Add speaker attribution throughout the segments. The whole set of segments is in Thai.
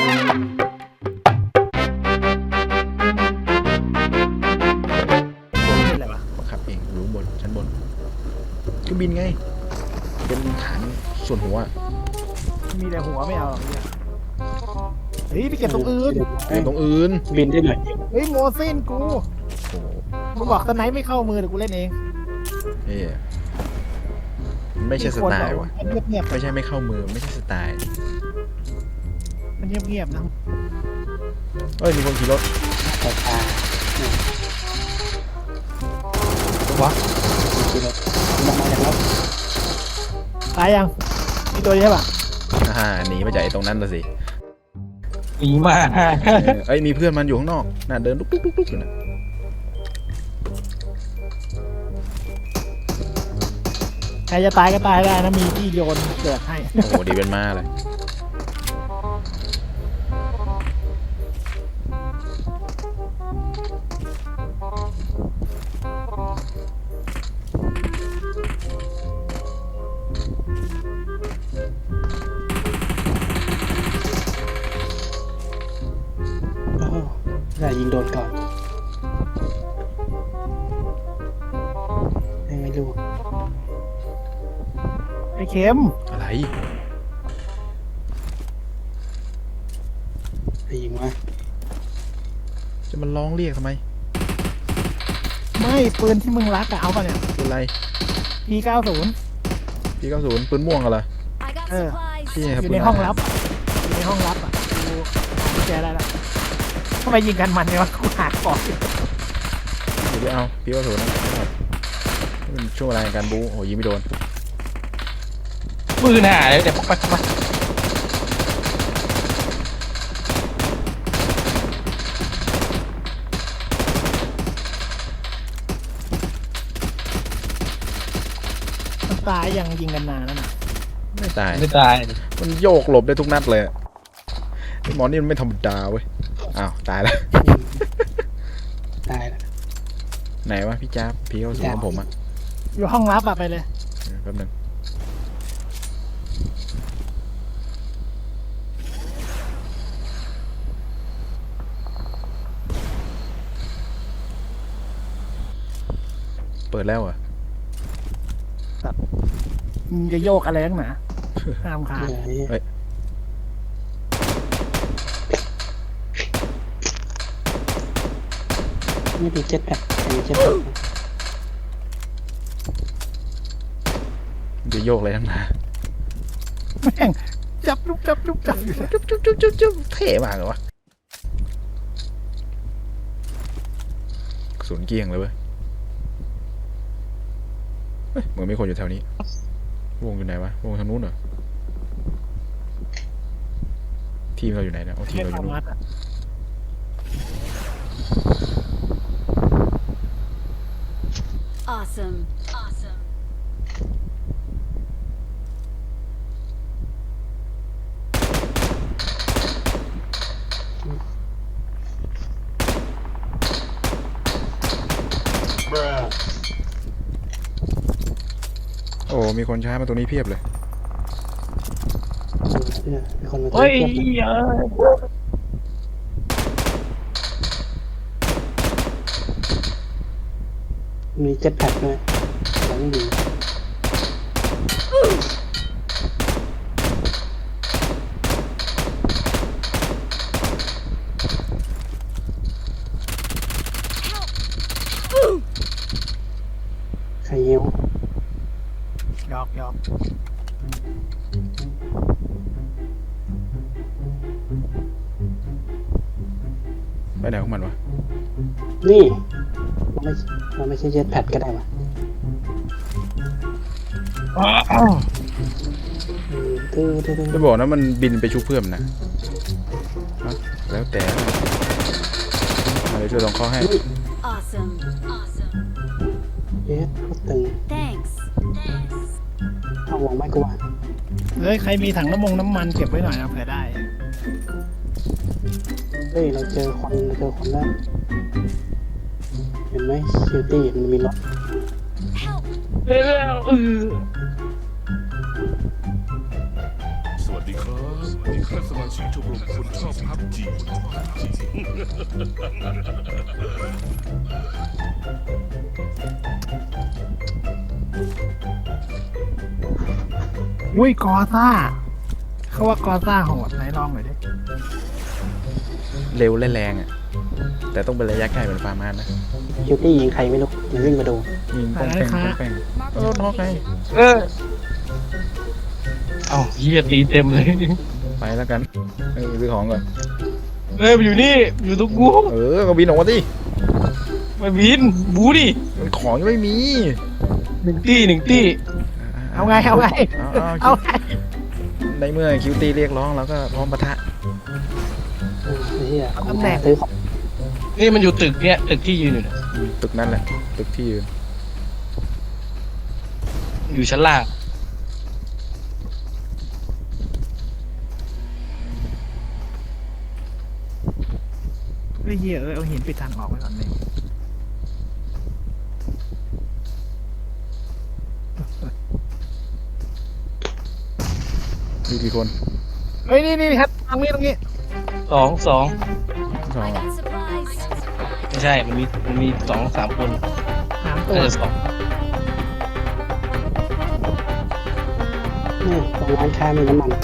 Speaker 1: เป็นอะไรวะ
Speaker 2: บังคับเองอยู่บนชั้นบนเครื่องบินไงเป็นฐานส่วนหัว
Speaker 1: มีแต่หัวไม่เอาหรอกเนี่ยเฮ้ยไปเก็บตรงอื่น
Speaker 2: ตรงอื่น
Speaker 3: บินได้หน่อย
Speaker 1: เฮ้ยโมเส้นกู
Speaker 2: โอ้โห
Speaker 1: มึงบอกสไนป์ไม่เข้ามือเดี๋ยวกูเล่นเอง
Speaker 2: เฮ้ยมันไม่ใช่สไตล์ว่ะ
Speaker 1: มันเงียบ
Speaker 2: ไม่ใช่ไม่เข้ามือไม่ใช่สไตล์
Speaker 1: ๆมันเงียบๆนะ
Speaker 2: เอ้ยมีคนขี่รถ
Speaker 3: แต่ตา
Speaker 2: วะ
Speaker 3: ขี่รถมันมาจากรถ
Speaker 1: ตายยังมีตัวนี้ใช่ปะ
Speaker 2: หนีมาจากไอ้ตรงนั้นละสิ
Speaker 3: หนีมา
Speaker 2: เอ้ยมีเพื่อนมันอยู่ข้างนอกน่ะเดินลุกๆๆๆอยู่นะ
Speaker 1: ใครจะตายก็ตายได้นะมีที่โยนเกิดให้
Speaker 2: โอ้โหดีเป็นมาเลย
Speaker 3: ได้ยิงโดนก่อนไม่รู้
Speaker 1: ไอ้เข็ม
Speaker 2: อะไร
Speaker 3: ได้ยิงมา
Speaker 2: จะมันร้องเรียกทำไม
Speaker 1: ไม่ปืนที่มึงรักอะเอาป่ะเนี่ย
Speaker 2: เป็นไร
Speaker 1: P90
Speaker 2: พี่90ปืนม่วงอะไร
Speaker 4: I got
Speaker 1: Uh,
Speaker 4: supplies.
Speaker 2: พี่
Speaker 1: อ
Speaker 2: ครับ
Speaker 1: ยู่ในห้องลับอะอยู่ในห้องลับอะกูกุญแจได้แล้วทำไมยิงกันมันเนี่ยวะกูหาของอยู่
Speaker 2: เดี๋ยวเอาพี่90นะครับมันช่วงเวลาในการบู๊โอ้ยิงไม่โดน
Speaker 3: ปืนหายเดี๋ยวปักมา
Speaker 1: มันตายยังยิงกันนานแล้วนะ
Speaker 2: ไม่ตาย
Speaker 3: ไม่ตาย
Speaker 2: มันโยกหลบได้ทุกนัดเลยไอ้หมอนี่มันไม่ธรรมดาเว้ยอ้าวตายแล้ว
Speaker 3: ตายแล้ว
Speaker 2: ไหนวะพี่จ้าบพี่90ของผมอะ
Speaker 1: อยู่ห้องลับอะไปเลย
Speaker 2: แป๊บนึงเปิดแล้วเหรอ่ะ
Speaker 1: มึงจะโยกอะไรนักหนาห้ามขาด
Speaker 3: ไม่มีเจ็ตแพ็คมีเจ็ตแพ็ค
Speaker 2: มันจะโยกอะไรทั้งนั้น
Speaker 1: แม่งจับลุกจับลุกจับอยู่เลย
Speaker 2: จุ๊บเท่มากเลยวะกระสุนเกลี้ยงเลยเว้ยเฮ้ยเหมือนมีคนอยู่แถวนี้วงอยู่ไหนวะวงทางนู้นเหรอทีมเราอยู่ไหนนะโอ้ทีม
Speaker 1: ไม่
Speaker 2: เราอยู่
Speaker 1: สา
Speaker 2: นู้น
Speaker 1: มารถอะ
Speaker 4: Awesome. Awesome.
Speaker 2: โอ้มีคนช้ามาตรงนี้เพียบเลย
Speaker 3: มีคนมา
Speaker 1: เฮ้ย
Speaker 3: มีเจ็ตแพ็คด้วยแล้วไม่ดีใครเยี่ยว
Speaker 1: หยอกหยอก
Speaker 2: ไปไหนของมันวะ
Speaker 3: นี่เราไม่ใช่เจ็ตแพ็คก็ได้ปะตื้อ
Speaker 2: จะบอกนะมันบินไปชุบเพื่อนนะฮะแล้วแต่เดี๋ยวช่วยลองเข้าให้
Speaker 4: Awesome. Awesome.
Speaker 3: เจ็ตก็ตึง
Speaker 4: Thanks. Thanks.
Speaker 3: เอาวงไม่กลัว
Speaker 1: เฮ้ยใครมีถังน้ำมันเก็บไว้หน่อยนะเผื่อได้
Speaker 3: เฮ้ยเราเจอคนแล้วเห็นไหมคิวตี้มันมีรถ
Speaker 4: Help.
Speaker 5: สวัสดีครับสมาชิกชมรมคนชอบพับจี
Speaker 1: อุ้ยกอซ่าเขาว่ากอซ่าโหดไหนลองหน่อยดิ
Speaker 2: เร็วและแรงอ่ะ แต่ต้องเป็นระยะใกล้เป็นฟาร์มานนะ
Speaker 3: คิวตี้ยิงใครไม่รู้มันวิ่งมาดู
Speaker 2: ยิงป้องแป้งป้องแป้งน็อกไง
Speaker 6: เออเอ้าเฮียตีเต็มเลย
Speaker 2: ไปแล้วกันซื้อของก่อน
Speaker 6: เฮ้ยมันอยู่นี่อยู่ตรงกู
Speaker 2: ก็บินออกมาสิ
Speaker 6: มาบินบูดิ
Speaker 2: มันของยังไม่มี
Speaker 6: หนึ่งตี้
Speaker 1: เอาไงเอาไง
Speaker 2: เอา
Speaker 1: เอาไง
Speaker 2: ในเมื่อคิวตี้เรียกร้องเราก็พร้อมปะทะ
Speaker 3: ไอ้เหี้ย
Speaker 1: ตำแหน่ง
Speaker 3: ซื้อของ
Speaker 6: นี่มันอยู่ตึกเนี่ยตึกที่ยืนอยู่เนี่ย
Speaker 2: ตึกนั่นแหละตึกที่ยืน
Speaker 6: อยู่ชั้นล่าง
Speaker 1: ไอ้เหี้ยเอาหินปิดทางออกไว้ก่อนเลย
Speaker 2: มีกี่คน
Speaker 1: เฮ้ยนี่ครับตรงนี้
Speaker 6: สอง
Speaker 2: สอง
Speaker 4: I got supplies.
Speaker 6: ไม่ใช่ มันมีสองสามคน
Speaker 1: 3 ตัว
Speaker 6: น่าจะสอง
Speaker 3: นี่ตรงร้านค้ามีน้ำมัน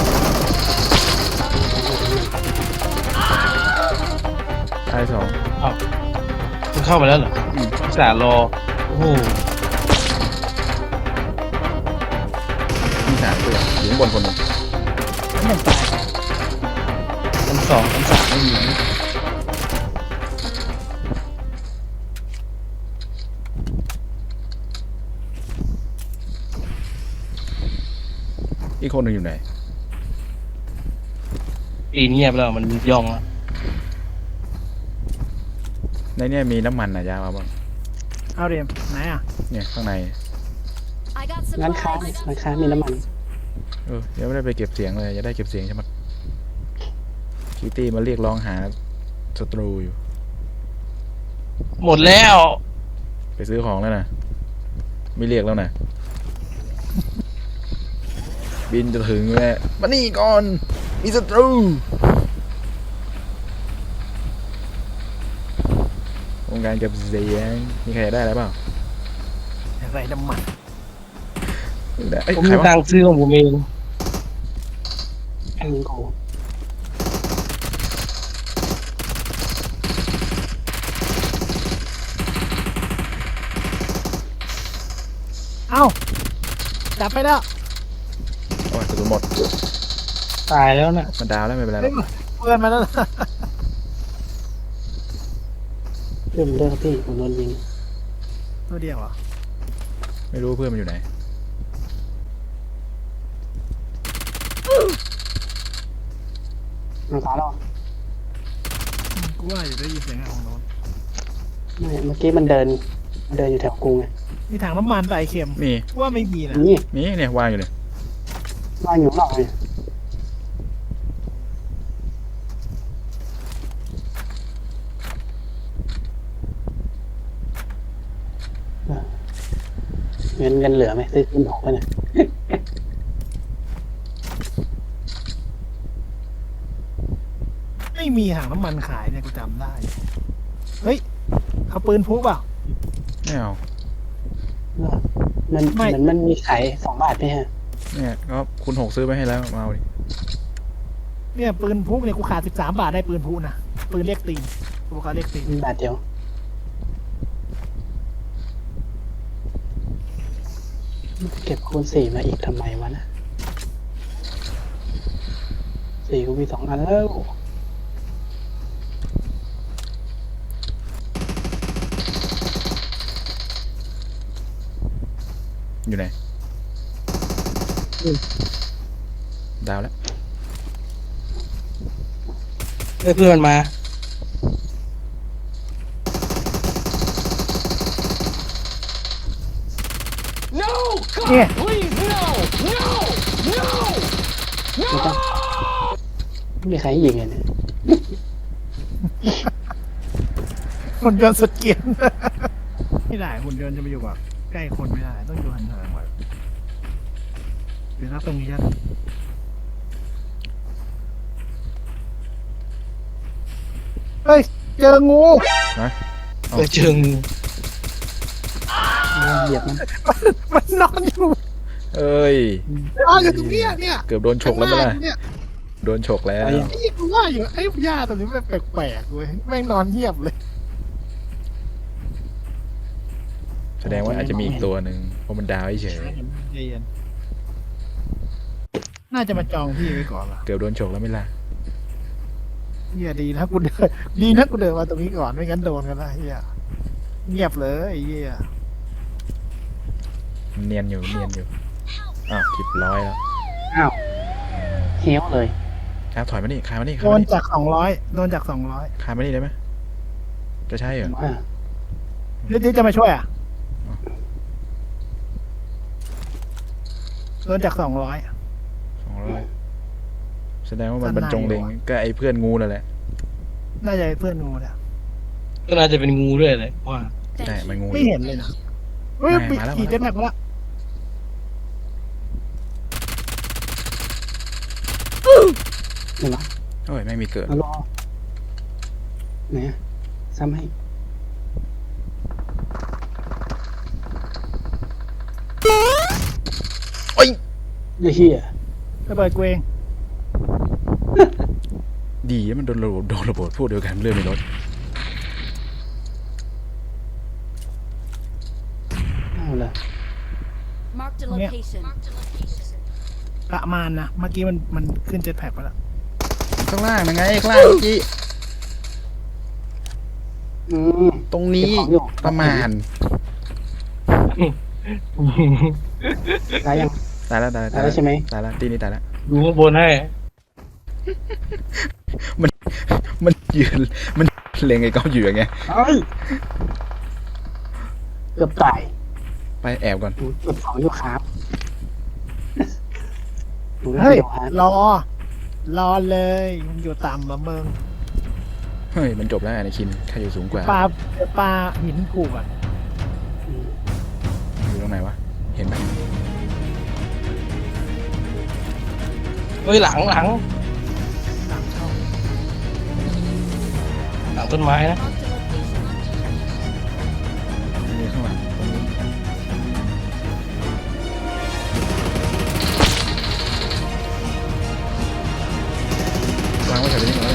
Speaker 2: ตายสอง
Speaker 6: อ้าวมันเข้ามาแล้วเหรอสารอโอ้โห
Speaker 2: มีสามตัวอยู่ข้างบนคนหนึ่ง
Speaker 1: หนึ่งตาย
Speaker 6: ชั้นสองชั้นสามไม่มี
Speaker 2: อีกคนหนึ่งอยู่ไหน
Speaker 6: ปีนเงียบแล้วมันย่องแล้ว
Speaker 2: ในเนี่ยมีน้ำมันนะยามาบ้าง
Speaker 1: เอาเดมไหนอ่ะ
Speaker 2: เนี่ยข้างใน
Speaker 4: I got
Speaker 3: ร้านค้า
Speaker 4: supplies.
Speaker 3: ร้านค้ามีน้ำมัน
Speaker 2: ยังไม่ได้ไปเก็บเสียงเลยจะได้เก็บเสียงใช่ไหมคิวตี้มาเรียกร้องหาศัตรูอยู่
Speaker 6: หมดแล้ว
Speaker 2: ไปซื้อของแล้วนะไม่เรียกแล้วนะบินจะถึงแล้วมานี่ก่อนมีศัตรูวงการเก็บเสียงมีใครได้อะไรเปล่า
Speaker 1: อะไรน้ำมัน
Speaker 2: ได้เอ้ย
Speaker 6: ผม
Speaker 2: ใคร
Speaker 6: มี
Speaker 2: วะ
Speaker 6: ตังค์ซื้อของผมเอง
Speaker 3: ยิงกู
Speaker 1: เอ้าจับไปแล้ว
Speaker 2: โอ้ยกระสุนหมด
Speaker 6: ตายแล้วน่ะ
Speaker 2: มันดาวแล้วไม่เป็นไรหร
Speaker 1: เฮ้
Speaker 2: อย ก
Speaker 1: เพื่อนมาแล้ว
Speaker 3: เรื่องเรื่องพี่ผมโดนยิง
Speaker 1: ตัวเดียวเหรอ
Speaker 2: ไม่รู้เพื่อนมันอยู่ไหน
Speaker 3: มันตายแล้ว
Speaker 1: กูว่าอยู่ได้ยินเสียงของโน้น
Speaker 3: ไม่เมื่อกี้มันเดินอยู่แถวกรุงไง
Speaker 1: มีถังน้ำมันใส่เค็ม
Speaker 2: มี
Speaker 1: กูว่าไม่มีนะ
Speaker 3: นี่
Speaker 2: มีเนี่ยวางอยู่เนี่ย
Speaker 3: ว่างอยู่ข้างนอกเลยเงินเหลือไหมซื้อขึ้นหกไปเนี่ย
Speaker 1: ไม่มีถังน้ำมันขายเนี่ยกูจำได้ เฮ้ยเขาปืนพกเปล่า
Speaker 2: ไม่เอา
Speaker 3: มัน
Speaker 1: ไม่
Speaker 3: เหมือนมันมีขาย2 บาทไหมฮะ
Speaker 2: เนี่ยก็คุณหกซื้อไปให้แล้วมาเอาดิ
Speaker 1: เนี่ยปืนพกเนี่ยกูขาด13 บาทได้ปืนพกนะปืนเรียกตีนกูบอกเขาเรียกตีน
Speaker 3: มีบาทเดียวเก็บคูณ4มาอีกทำไมวะนะ4กูมี2 อันแล้ว
Speaker 2: อยู่ไหนดาวแล้ว
Speaker 6: เฮ้ยเพื่อนมา
Speaker 1: เนี่ย
Speaker 3: ไม่ต้องไม่มีใครให้ยิงเลยเนี่ย
Speaker 1: หุ่นยนต์สุดเกรียน ไม่ได้หุ่นยนต์จะไปอยู่กับใกล้คนไม่ได้ต้องอยู่ห่างๆไว้เดี๋ยวนะตรงนี้จะเฮ้ยเจองู
Speaker 6: เชิง
Speaker 3: เหยียบมัน
Speaker 1: มันนอนอยู่
Speaker 2: เอ้ย
Speaker 1: นอนอยู่ตรงเนี้ยเนี่ย
Speaker 2: เกือบโดนฉกแล้วไหมล่ะ
Speaker 1: เนี่ย
Speaker 2: โดนฉกแล้ว
Speaker 3: ไปยัง
Speaker 1: ไอ้กูว่าอยู่ไอ้หญ้าตัวนี้มันแปลกๆเว้ยแม่งนอนเงียบเลย
Speaker 2: แสดงว่าอาจจะมีอีกตัวหนึ่งเพราะมันดาวเฉย
Speaker 1: ใจเย็นน่าจะมาจองที่ไว้ก่อนล่ะ
Speaker 2: เกือบโดนฉกแล้วไหม่ล่ะ
Speaker 1: เฮียดีนะกูเดินดีนะกูเดินมาตรงนี้ก่อนไม่งั้นโดนกันนะเฮียเงียบเลยไอ้เฮีย
Speaker 2: เนียนอยู่อ้าว10แล้ว
Speaker 3: อ้าวเฮี้ยวเลย
Speaker 2: ครับถอยมานี่คานมานี่
Speaker 1: โดนจาก200โดนจาก200
Speaker 2: คานมานี่ได้ไหมจะใช่เหรอ
Speaker 3: อ่า
Speaker 1: นี่จะมาช่วยอ่ะโดนจาก200
Speaker 2: 200แสดงว่ามันบรรจงเล็งก็ไอ้เพื่อนงูนั่นแหละ
Speaker 1: น่าจะเพื่อนงูเนี่ย
Speaker 6: ก็น่าจะเป็นงูด้วยเลยว่า
Speaker 2: ใช่มันงู
Speaker 1: ไม่เห็นเลยนะเฮ้ย
Speaker 2: มาแล้ว
Speaker 1: ขี่เจ็ตแม็กมาแล้ว
Speaker 3: เห็นไหม
Speaker 2: โอ้ยไม่มีเกิด
Speaker 3: เอารอไหนอะซ้ำให้
Speaker 2: โอ้ย
Speaker 3: ไอ้เหี้ย
Speaker 1: ระเบิดกูเอง
Speaker 2: ดีนะมันโดนระเบิดพวกเดียวกันเลื่อนไม่ลด
Speaker 3: เอาเลย
Speaker 4: Marked a
Speaker 1: Yeah.
Speaker 4: location.
Speaker 1: ประมาณนะเมื่อกี้มันขึ้นเจ็ตแพ็กไปแล้ว
Speaker 2: ข้างล่างนะไงข้างล่างเมื่อกี้
Speaker 3: อืม
Speaker 2: ตรงนี้
Speaker 3: เก็บของอยู่
Speaker 2: ประมาณ
Speaker 3: ตายยัง
Speaker 2: ตายแล้ว
Speaker 3: ตายแล้วใช่ไหม
Speaker 2: ตายแล้วตีนี้ตายแล้ว
Speaker 6: ดูข้างบนให้
Speaker 2: มันยืนมันเล็งไอ้ก้อนอยู่อย่างเงี้ย
Speaker 3: เอ้ยเกือบตาย
Speaker 2: ไปแอบก่อน
Speaker 3: เก็บของอยู่ครับดู
Speaker 1: เฮ้ย
Speaker 3: เดี๋ยวฮะ
Speaker 1: รอเลยมันอยู่ต่ำมาเมือง
Speaker 2: เฮ้ยมันจบแล้วไอ้คินใครอยู่สูงกว่า
Speaker 1: ปลาหินผูกอ่ะ
Speaker 3: อืม
Speaker 2: อยู่ตรงไหนวะเห็นไหม
Speaker 6: เฮ้ยหลัง
Speaker 1: หลังช่อง
Speaker 6: หลังต้นไม้นะ
Speaker 4: Marked a location.
Speaker 2: มีข้างหลังตรงนี้วางไว้แถวนี้ก่อนเลย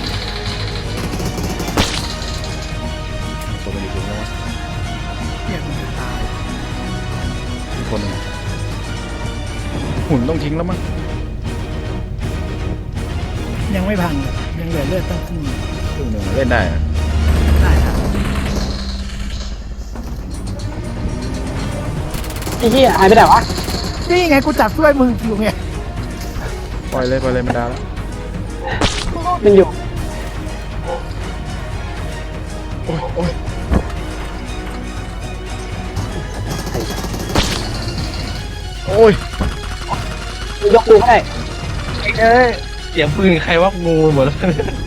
Speaker 2: ตัวมันอยู่สูงแล้ววะ
Speaker 1: เฮียมันจะตาย
Speaker 2: อีกคนหนึ่งหุ่นต้องทิ้งแล้วมั้ง
Speaker 1: ยังไม่พังเลยยังเหลือเลือดตั้งขึ้น
Speaker 2: ครึ่งหนึ่งเล่นได้อะ
Speaker 1: ได้ครับ
Speaker 3: ไอ้เหี้ยหายไปไหนวะ
Speaker 1: นี่ไงกูจับช่วยมึงอยู่ไง
Speaker 2: ปล่อยเลยมันดาวแล้ว
Speaker 3: มันอยู่
Speaker 2: โอ้ย
Speaker 3: ยกกูไม่ได้
Speaker 6: เอ้ยเสียงปืนใครว่างูหมดแล้ว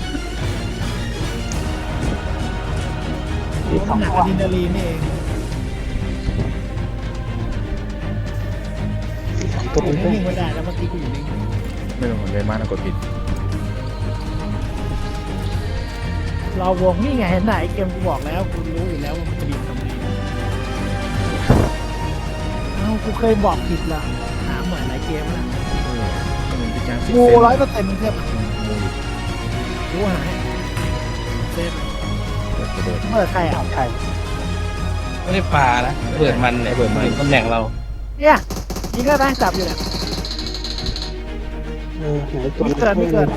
Speaker 3: อีกสอง
Speaker 1: หนัก
Speaker 3: ตั
Speaker 1: ก
Speaker 3: ว
Speaker 1: ว่าดินดารีนี่เอง
Speaker 3: อีกสองตัว
Speaker 1: อยู่
Speaker 3: เพื่อน
Speaker 1: นิ่งๆไม่ได้แล้วเมื่อกี้กูอยู่นิ่ง
Speaker 2: ไม่ลงเหมือนเดินมานะกดผิด
Speaker 1: รอวงนี่ไงเห็นไหนเกมกูบอกแล้วกูรู้อยู่แล้วว่ามันจะบินตรงนี้เอ้ากูเคยบอกผิดละถามหน่อยหลายเกมแล้ว
Speaker 2: มันเป็นการสิ
Speaker 1: งู
Speaker 2: เส้น
Speaker 1: 100%มึงเทียบ
Speaker 2: งูอยู่
Speaker 1: กูหายเซฟ
Speaker 2: ระเบิด
Speaker 1: เมื่อใครอ่ะ
Speaker 3: ใคร
Speaker 6: ไม่ได้ปลานะเปิดมันเนี่ย
Speaker 2: เปิดมัน
Speaker 6: ตำแหน่งเรา
Speaker 1: เนี่ยยิงก็ได้จับอยู่เนี่ย
Speaker 3: ไหนตัว
Speaker 1: มีเกินมีเกิน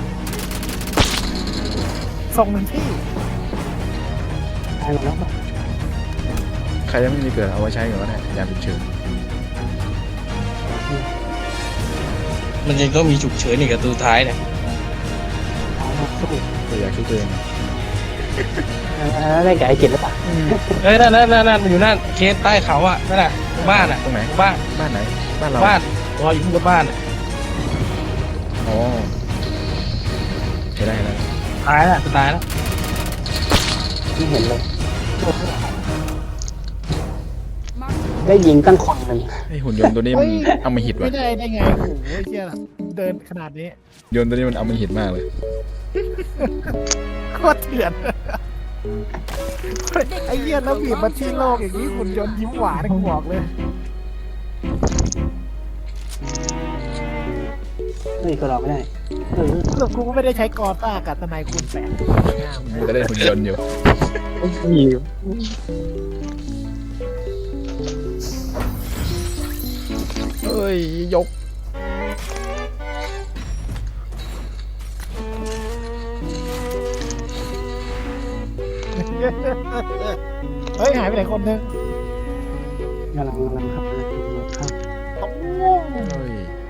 Speaker 1: ส่งหนึ่งที่
Speaker 3: ตายหมดแล้วป่ะ
Speaker 2: ใครยังไม่มีเกิดเอาไว้ใช้ก่อนก็ได้ยามฉุกเฉิน
Speaker 6: มันยังต้องมีฉุกเฉินอีกกับตัวท้ายเนี่ย
Speaker 3: ตายแล้วสู้
Speaker 2: ตัวอยากช่วยตัวเอง
Speaker 3: ได้กับไอ้เจ็ดหรือเปล่า
Speaker 6: เฮ้ยนั่นอยู่นั่นเคสใต้เขาอ่ะนั่นแหละบ้านอ่ะ
Speaker 2: ตรงไหน
Speaker 6: บ้าน
Speaker 2: บ้านไหนบ้านเรา
Speaker 6: บ้านรออยู่ที่บ้านอะ
Speaker 2: อ๋อใช้ได้แล้ว
Speaker 6: ตายแล้วตายแล้ว
Speaker 3: ที่เห็นเลย
Speaker 4: Marked
Speaker 3: ได้ยิงตั้งคนหนึ่ง
Speaker 2: ไอหุ่นยนต์ตัวนี้มันเอามาหิด
Speaker 1: ไม่
Speaker 2: ว่ะ
Speaker 1: ได้ไงโอ้โหเชี่ยเดินขนาดนี้
Speaker 2: ยนต์ตัวนี้มันเอามาหิดมากเลย
Speaker 1: โคตรเถื่อนไอ้เหี้ยแล้วบีบมาที่โลกอย่างนี้หุ่นยนต์ยิ้มหวานกูบอกเลย
Speaker 3: เฮ้ยก็รอไม่ได้
Speaker 1: สรุปกูก็ไม่ได้ใช้กอต้ากับทนายคูณ8งาม
Speaker 2: มันจะได้หุ่นยนต์อยู่ เฮ้ย ยก
Speaker 1: เฮ้ยหายไปไหนคนนึง
Speaker 3: กำลังขับมาครับ
Speaker 1: โอ้
Speaker 2: เฮ้ย